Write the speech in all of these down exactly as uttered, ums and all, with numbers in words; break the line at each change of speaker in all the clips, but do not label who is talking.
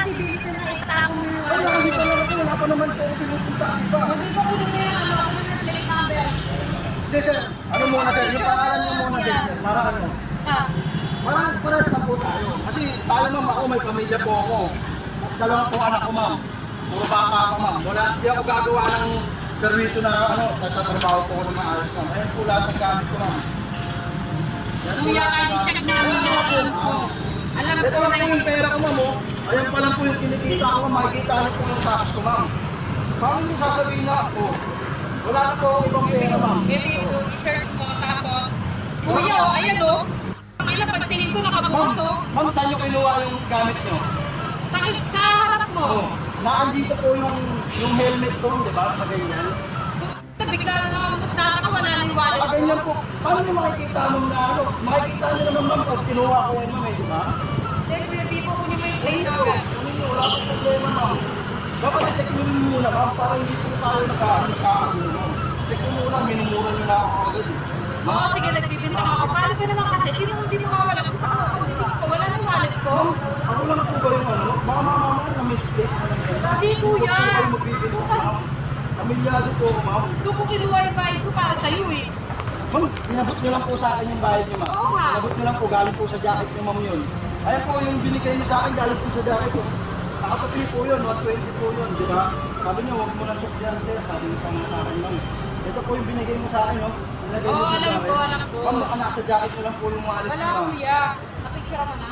responsibility na itang mo yung
Wala, hindi pa naman ako. Wala pa naman po ako pinupunta ang iba.
Hindi ko kunin na yung ano, ako na plate number.
Hindi sir, ano muna sir, yung pangalan niyo muna din sir, para ano.
Ah,
Parang parang na po tayo. Kasi tayo ma'am, ako may pamilya po ako. Dalawa po anak ko ma'am. Puro bata ako ma'am. Wala, hindi ako gagawa ng permiso na ano, nagtatrabaho po ako ng maayos ma'am. Ayan po lahat ng gamit ko ma'am. Yan po
Kuya,
lahat ng
kahit
gamit.
check namin
Oo,
yung
po,
account ko.
oo.
Alam
Ito
ko
lang
na
po yung pera ko ma'am oh. Ayan pa lang po yung kinikita ko ma'am. Makikita niyo po yung tax ko ma'am. Paano niyo sasabihin na ako? Wala na po akong ibang pera ma'am.
Maybe ito, i-search mo, tapos, kuya, oh, ayan oh. Ang ilang pagtingin ko,
Ma'am,
nakabukas oh.
ma'am, saan niyo kinuha yung gamit niyo?
Sa, sa harap mo.
Oo. Naandito po yung yung helmet ko, di ba? Sa ganyan.
Bigla na lang nakakawala na yung wallet
Sa
ko.
ganyan po. Paano niyo makikita ma'am na ano? Makikita niyo naman ma'am pag kinuha ko yun ma'am eh, di ba?
Then, hindi po kunin mo yung
Hindi
plate
po.
number.
Ano niyo, wala pong problema ma'am. Dapat i-check niyo rin muna ma'am para hindi po tayo nagkakagulo ma'am. Check niyo muna, minumura niyo na ako agad eh.
Oo, sige, nagbibinta ako. Paano ka naman kasi? Sino hindi mo mawala? Wala na yung wallet ko.
Ako lang po ba yung ano? Baka mamamaya na mistake.
Hindi, kuya.
Huwag po kayo magbibigay ma'am. Kamilyado po ako ma'am.
So, kung kinuha yung bayad ko para sa'yo eh.
Ma'am, inabot niyo lang po sa akin yung bayad niyo, ma'am.
Oo nga.
Inabot niyo lang po, galing po sa jacket niyo, ma'am, yun. Ayan po, yung binigay niyo sa akin, galing po sa jacket ko. Nakapatili po yun, one twenty po yun, di ba? Sabi niyo, huwag mo na sukyan, sir. Sabi niyo pa nga sa akin, ma'am. Ito po yung binigay mo sa akin, no? Binigay
Oo,
niyo sa
alam
jacket.
ko, alam ko.
Ma'am, baka nasa jacket niyo lang po yung wallet
Wala,
niyo, ma'am.
kuya. Napicture mo na.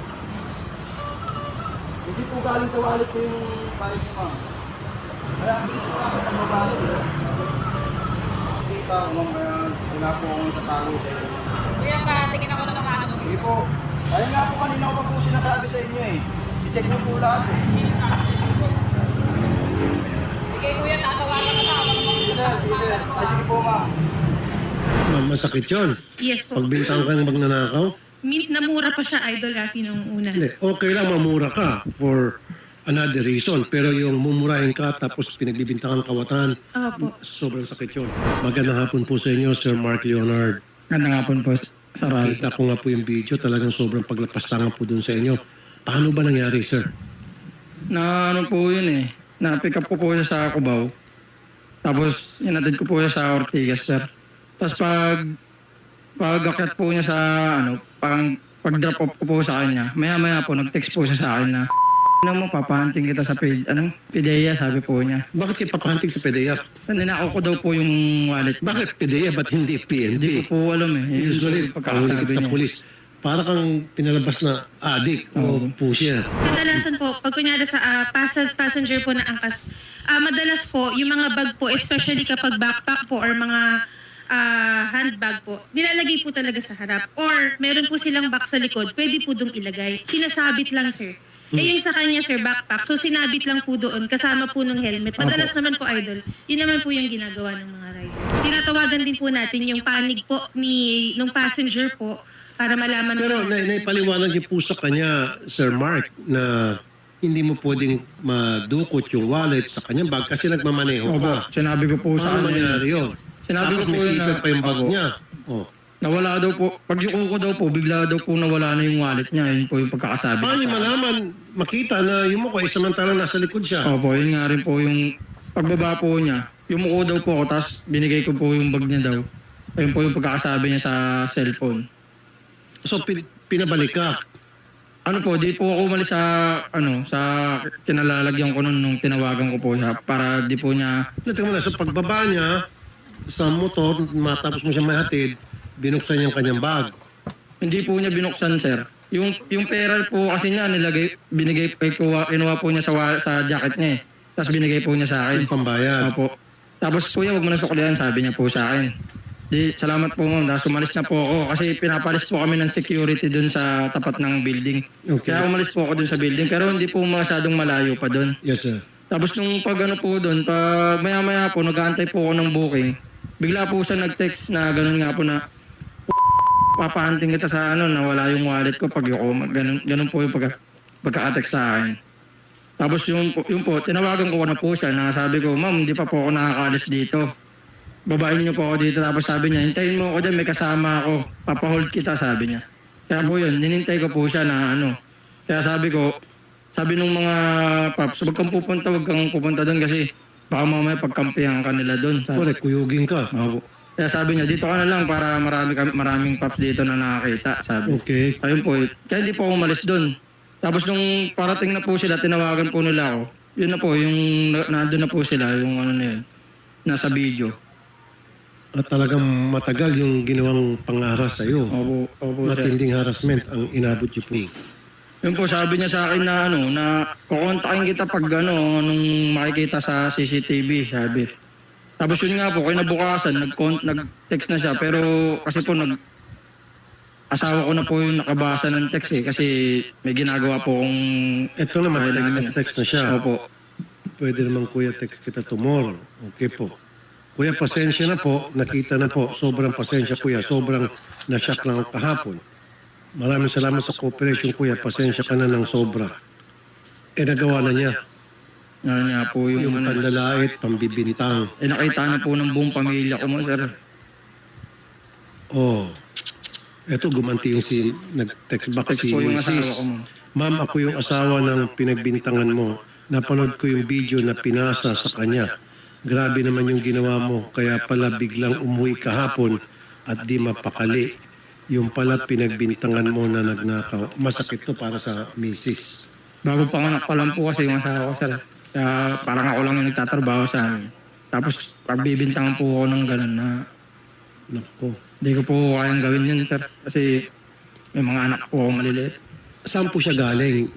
Hindi po galing sa wallet ko yung bayad niyo, ma'am. Kaya, hindi po ako ang mabalit. Kita ko, ma'am, kaya wala po akong tatalo kayo.
Kuya, pa, tingin ako na ng ano.
Sige po. Ayun nga po kanina ko pa po sinasabi sa inyo eh. I-check niyo po lahat eh.
Sige, kuya, tatawagan ka na.
Sige na, sige. Ay, sige po ma'am.
Ma'am, masakit yun.
Yes po.
Pagbintang ka ng magnanakaw,
Min- namura pa siya, Idol Rafi, nung una.
hindi. Okay lang mamura ka for another reason. Pero yung mumurahin ka tapos pinagbibintangan kawatan,
Opo.
sobrang sakit yun. Magandang hapon po sa inyo, Sir Mark Leonard.
Ganda nga po po, Sir Ralph.
Kita ko nga po yung video, talagang sobrang paglapastangan po dun sa inyo. Paano ba nangyari, sir?
Na ano po yun eh. Na-pick up ko po siya sa Cubao. Tapos inatid ko po siya sa Ortigas, sir. Tapos pag pag-akyat po niya sa ano, pang pag-drop off ko po sa kanya, maya-maya po nag-text po siya sa akin na ano mo, papahanting kita sa pid, ano, Pidea, sabi po niya.
Bakit kayo papahanting sa P D E A?
Ninakaw ko daw po yung wallet.
Bakit P D E A? Ba't hindi P N
Hindi
P?
ko po alam eh.
Usually, pagkakasabi
pagkakasabi
sa
niya.
pulis, para kang pinalabas na adik o pusher.
Kadalasan po, pag kunyari sa ah, pas- passenger po na angkas, ah, madalas po, yung mga bag po, especially kapag backpack po or mga ah, handbag po, nilalagay po talaga sa harap. Or meron po silang box sa likod, pwede po dong ilagay. Sinasabit lang, sir. Eh yung sa kanya, sir, backpack, so sinabit lang po doon, kasama po ng helmet. Madalas naman po, Idol, yun naman po yung ginagawa ng mga rider. Tinatawagan din po natin yung panig po ni nung passenger po para malaman
Pero
po.
na, naipaliwanag niyo po sa kanya, Sir Mark, na hindi mo pwedeng madukot yung wallet sa kanyang bag kasi nagmamaneho
Opo,
ka.
sinabi ko po sa
Paano
kanya.
mangyari yun?
Sinabi
Tapos
ko po
may
yun
zipper
na-
pa yung bag
Opo.
niya. Oh.
Nawala daw po, pag yung ko daw po, bigla daw po nawala na yung wallet niya. Yun po yung pagkakasabi.
Paano niyo
niya sa akin.
malaman, makita na yung mukha ay samantalang nasa likod siya?
Opo, yun nga rin po yung pagbaba po niya. Yumuko daw po ako, tapos binigay ko po yung bag niya daw. Ayun po yung pagkakasabi niya sa cellphone.
So, pin- pinabalik ka.
Ano po, di po ako umalis sa, ano, sa kinalalagyan ko nun nung tinawagan ko po siya para di po niya,
Natin mo na, so pagbaba niya sa motor, matapos mo siya mahatid, binuksan niya ang kanyang bag.
hindi po niya binuksan, sir. Yung, yung pera po kasi niya, nilagay, binigay, eh, kuha, kinuha po niya sa, wa- sa jacket niya eh. Tapos binigay po niya sa akin.
Yung pambayad.
Opo. Tapos kuya, wag mo na suklihan, sabi niya po sa akin. Di, salamat po ma'am. Tapos umalis na po ako kasi pinapalis po kami ng security dun sa tapat ng building.
Okay.
Kaya umalis po ako dun sa building pero hindi po masyadong malayo pa dun.
Yes, sir.
Tapos nung pag ano po dun, pag maya-maya po, nag-aantay po ako ng booking. Bigla po siya nag-text na ganun nga po na papahanting kita sa ano, nawala yung wallet ko pag yuko. Ganun, ganun po yung pagka, pagka-text sa akin. Tapos yung, yung po, tinawagan ko na po siya na sabi ko, ma'am, hindi pa po ako nakakaalis dito. Babayin niyo po ako dito. Tapos sabi niya, hintayin mo ako dyan, may kasama ako. Papahold kita, sabi niya. Kaya po yun, ninintay ko po siya na ano. Kaya sabi ko, sabi nung mga paps, wag kang pupunta, wag kang pupunta doon kasi baka mamaya pagkampihan ka nila doon. Sabi,
Correct, kuyugin ka.
Opo. Kaya sabi niya, dito ka na lang para marami kami, maraming paps dito na nakakita. Sabi.
Okay.
Ayun po, eh. Kaya hindi po ako umalis doon. Tapos nung parating na po sila, tinawagan po nila ako. Yun na po, yung na- nandun na po sila, yung ano na yun, nasa video.
At talagang matagal yung ginawang pangaras sa iyo.
Opo, opo, sir.
Matinding harassment ang inabot niyo po.
Yun po, sabi niya sa akin na ano, na kukontakin kita pag ano, nung makikita sa C C T V, sabi. Tapos yun nga po, kinabukasan, nag nag-text na siya, pero kasi po nag asawa ko na po yung nakabasa ng text eh, kasi may ginagawa po kong
Ito naman, text na text na siya.
Opo.
Pwede naman kuya text kita tomorrow. Okay po. Kuya, pasensya na po. Nakita na po. Sobrang pasensya kuya. Sobrang nasyak lang ako kahapon. Maraming salamat sa cooperation kuya. Pasensya ka na ng sobra. Eh nagawa na niya.
Ano niya po yung,
Yung
ano,
panlalait, pambibintang.
eh nakita na po ng buong pamilya ko mo, sir.
Oh. Eto gumanti yung si nag-text back
Text
si
po yung
Missus
asawa ko mo.
Ma'am, ako yung asawa ng pinagbintangan mo. Napanood ko yung video na pinasa sa kanya. Grabe naman yung ginawa mo. Kaya pala biglang umuwi kahapon at di mapakali. Yung pala pinagbintangan mo na nagnakaw. Masakit to para sa misis.
Bago panganak pa lang po kasi yung asawa ko, sir. Kaya parang ako lang yung nagtatrabaho sa amin. Tapos pagbibintangan po ako ng gano'n na
Nako.
hindi ko po kayang gawin yun, sir. Kasi may mga anak po ako maliliit.
Saan po siya galing?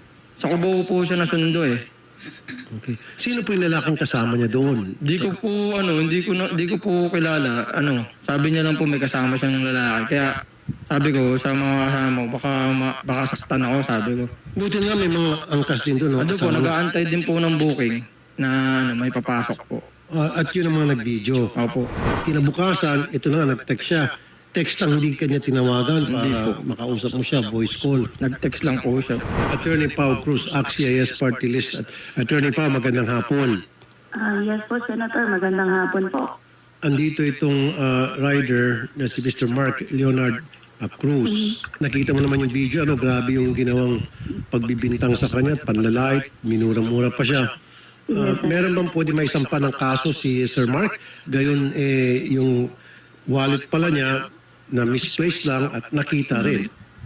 Sa Cubao po siya nasundo eh.
Okay. Sino po yung lalaking kasama niya doon?
Hindi ko po, ano, hindi ko, na, hindi ko po kilala. Ano, sabi niya lang po may kasama siyang lalaki. Kaya sabi ko sa mga kasama ko, baka, ma- baka saktan ako, sabi ko.
Buti nga may mga angkas din doon. No?
Ano po,
Kasama.
nag-aantay din po ng booking na ano, may papasok po.
Ah, at yun ang mga nag-video.
Opo.
Kinabukasan, ito na nga, nag-text siya. Text lang, hindi kanya tinawagan para
Hindi po.
makausap mo siya, voice call.
Nag-text lang po siya.
Attorney Pao Cruz, A C C I S Party List. At Attorney Pao, magandang hapon.
Ah, yes po, Senator. Magandang hapon po.
Andito itong ah, rider na si Mister Mark Leonard ah, Cruz. Nakita mo naman yung video, ano, grabe yung ginawang pagbibintang sa kanya, panlalait, minura-mura pa siya. Ah, meron bang pwede may sampa ng kaso si Sir Mark? Gayon, eh, yung wallet pala niya na misplaced lang at nakita rin.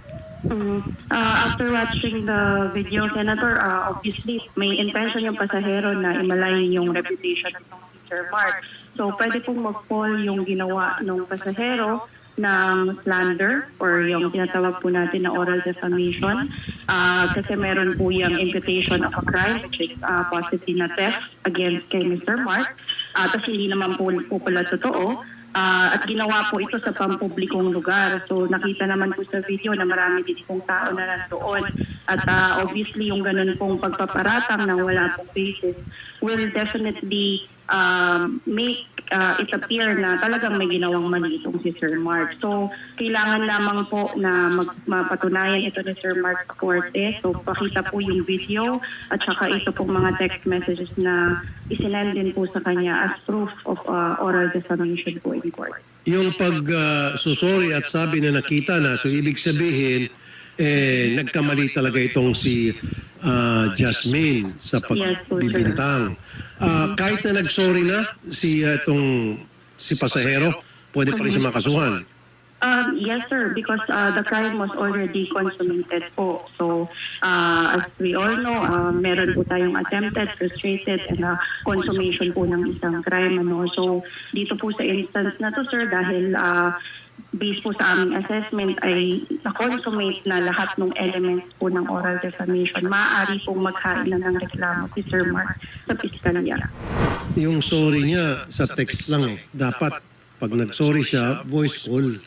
Mm, ah, after watching the video, Senator, ah, obviously may intention yung pasahero na imalayin yung reputation ng Sir Mark. So pwede pong mag-fall yung ginawa ng pasahero ng slander or yung tinatawag po natin na oral defamation Ah, kasi meron po yung imputation of a crime which is ah, possibly na theft against kay Mister Mark. Ah, tapos hindi naman po, po pala totoo. Ah, at ginawa po ito sa pampublikong lugar. So nakita naman po sa video na marami din pong tao na nandoon. At ah, obviously yung ganun pong pagpaparatang ng wala pong basis will definitely um, make uh, it appear na talagang may ginawang mali itong si Sir Mark. So kailangan lamang po na mag, mapatunayan ito ni Sir Mark sa korte. So pakita po yung video at saka ito pong mga text messages na isinend din po sa kanya as proof of uh, oral defamation po in court.
Yung pag ah, susori at sabi na nakita na, so ibig sabihin, eh, nagkamali talaga itong si ah, Jasmine sa pagbibintang. Ah, kahit na nagsorry na si ah, itong si pasahero, pwede pa rin siya makasuhan.
Um, yes, sir, because uh, the crime was already consummated po. So, uh, as we all know, uh, meron po tayong attempted, frustrated, and uh, consummation po ng isang crime. Ano? So, dito po sa instance na to, sir, dahil uh, based po sa aming assessment ay na-consummate na lahat ng elements po ng oral defamation, maaari pong maghain na ng reklamo si Sir Mark sa piskalya.
Yung sorry niya sa text lang eh. Dapat pag nag-sorry siya, voice call.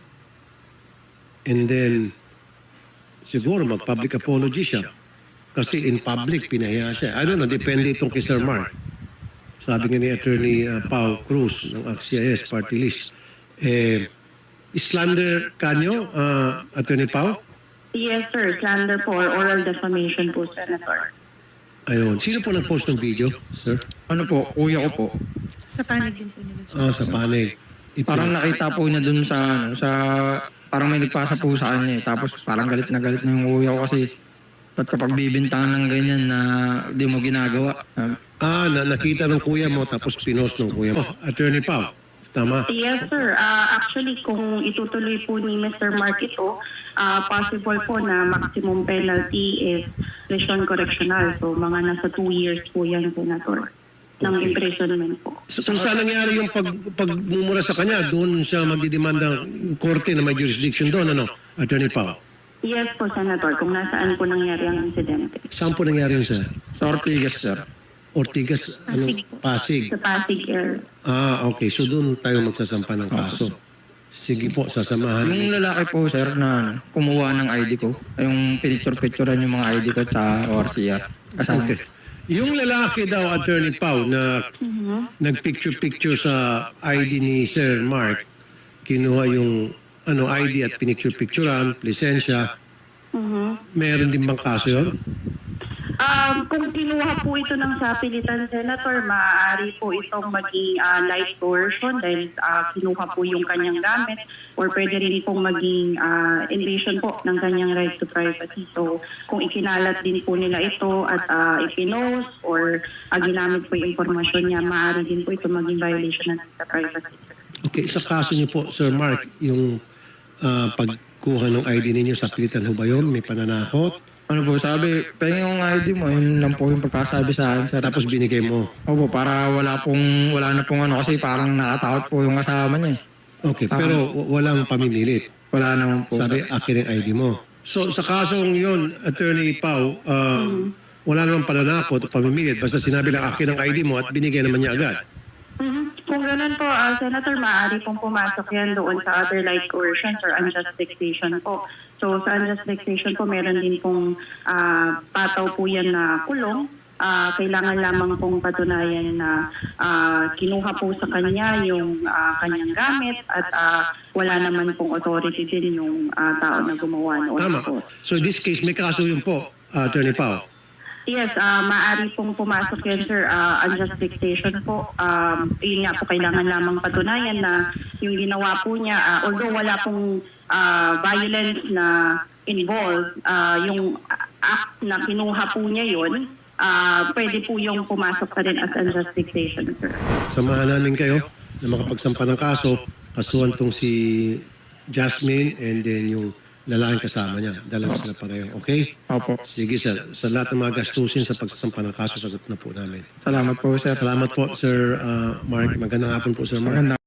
And then, siguro mag-public apology siya. Kasi in public, pinahiya siya. I don't know, depende itong kay Sir Mark. Sabi nga ni Attorney uh, Pao Cruz ng A C C I S Party List. Eh, slander kanyo, uh, Attorney Pao?
Yes, sir. Slander po or oral defamation po, Senator.
Ayun. Sino po nag-post ng video, sir?
Ano po, kuya ko po.
Sa panig din po nila.
Ah, sa panig. Ito.
Parang nakita po niya dun sa, ano, sa, parang may nagpasa po sa kanya eh. Tapos parang galit na galit na yung kuya ko kasi Ba't kapag bibintangan ng ganyan na di mo ginagawa? Ah,
Ah, na nakita ng kuya mo tapos pinost ng kuya mo. Oh, Attorney Pao, tama.
Yes, sir. Ah, actually, kung itutuloy po ni Mister Mark ito, ah, possible po na maximum penalty is lesion correctional. So, mga nasa two years po yan, Senator, ng imprisonment po.
So, kung saan nangyari yung pag, pagmumura sa kanya, doon siya magdidemanda ng korte na may jurisdiction doon, ano, Attorney Pao?
Yes po, Senator, kung nasaan po nangyari ang insidente.
Saan po nangyari yun, sir?
sa Ortigas, sir.
Ortigas, ano?
Pasig po.
Pasig.
Sa Pasig area.
Ah, okay. So doon tayo magsasampa ng kaso. Sige po, sasamahan.
Yung lalaki po, sir, na ano, kumuha ng I D ko, yung pinicture-picturean yung mga I D ko sa O R C R. Kasama.
Okay. Yung lalaki daw, Attorney Pao, na nagpicture-picture sa I D ni Sir Mark, kinuha yung ano I D at pinicture-picturean, lisensya,
Mhm.
meron din bang kaso yun?
Um, kung kinuha po ito ng sapilitan, Senator, maaari po itong maging ah, light coercion dahil ah, kinuha po yung kanyang gamit or pwede rin pong maging ah, invasion po ng kanyang right to privacy. So, kung ikinalat din po nila ito at uh, ipinost or ah, ginamit po yung informasyon niya, maaari din po ito maging violation ng right to privacy.
Okay, sa kaso niyo po, Sir Mark, yung ah, pagkuha ng I D ninyo sa pilitan ho ba yun? May pananakot?
Ano po, sabi, pengen yung I D mo, yun lang po yung pagkasabi sa akin, sir.
Tapos binigay mo.
Opo, para wala pong, wala na pong ano, kasi parang nakatakot po yung kasama niya eh.
Okay, pero w- walang pamimilit.
Wala naman po.
Sabi, akin ang I D mo. So, sa kasong yun, Attorney Pao, uh, wala namang pananakot o pamimilit. Basta sinabi lang akin ang I D mo at binigay naman niya agad.
Mhm. Kung ganun po, ah, Senator, maaari pong pumasok yan doon sa other like coercions or unjust vexation po. So sa unjust vexation po, meron din pong ah, pataw po yan na kulong. Ah, kailangan lamang pong patunayan na ah, kinuha po sa kanya yung ah, kanyang gamit at ah, wala naman pong authority din yung ah, tao na gumawa noon
Tama.
po.
So, in this case, may kaso yun po, uh, Attorney Pao.
Yes, ah maaari pong pumasok yan, sir. Uh, unjust vexation po. Um, yun nga po, kailangan lamang patunayan na yung ginawa po niya, ah, although wala pong ah, violence na involved, ah, yung act na kinuha po niya yun, ah, pwede po yung pumasok pa rin as unjust vexation, sir.
Samahan namin kayo na makapagsampa ng kaso. Kasuhan tong si Jasmine and then yung lalaking kasama niya. Dalawa sila pareho. Okay?
Opo.
Sige, sir. Sa lahat ng mga gastusin sa pagsasampa ng kaso, sagot na po namin.
Salamat po, sir.
Salamat po, Sir uh, Mark. Magandang hapon po, Sir Mark.
Maganda.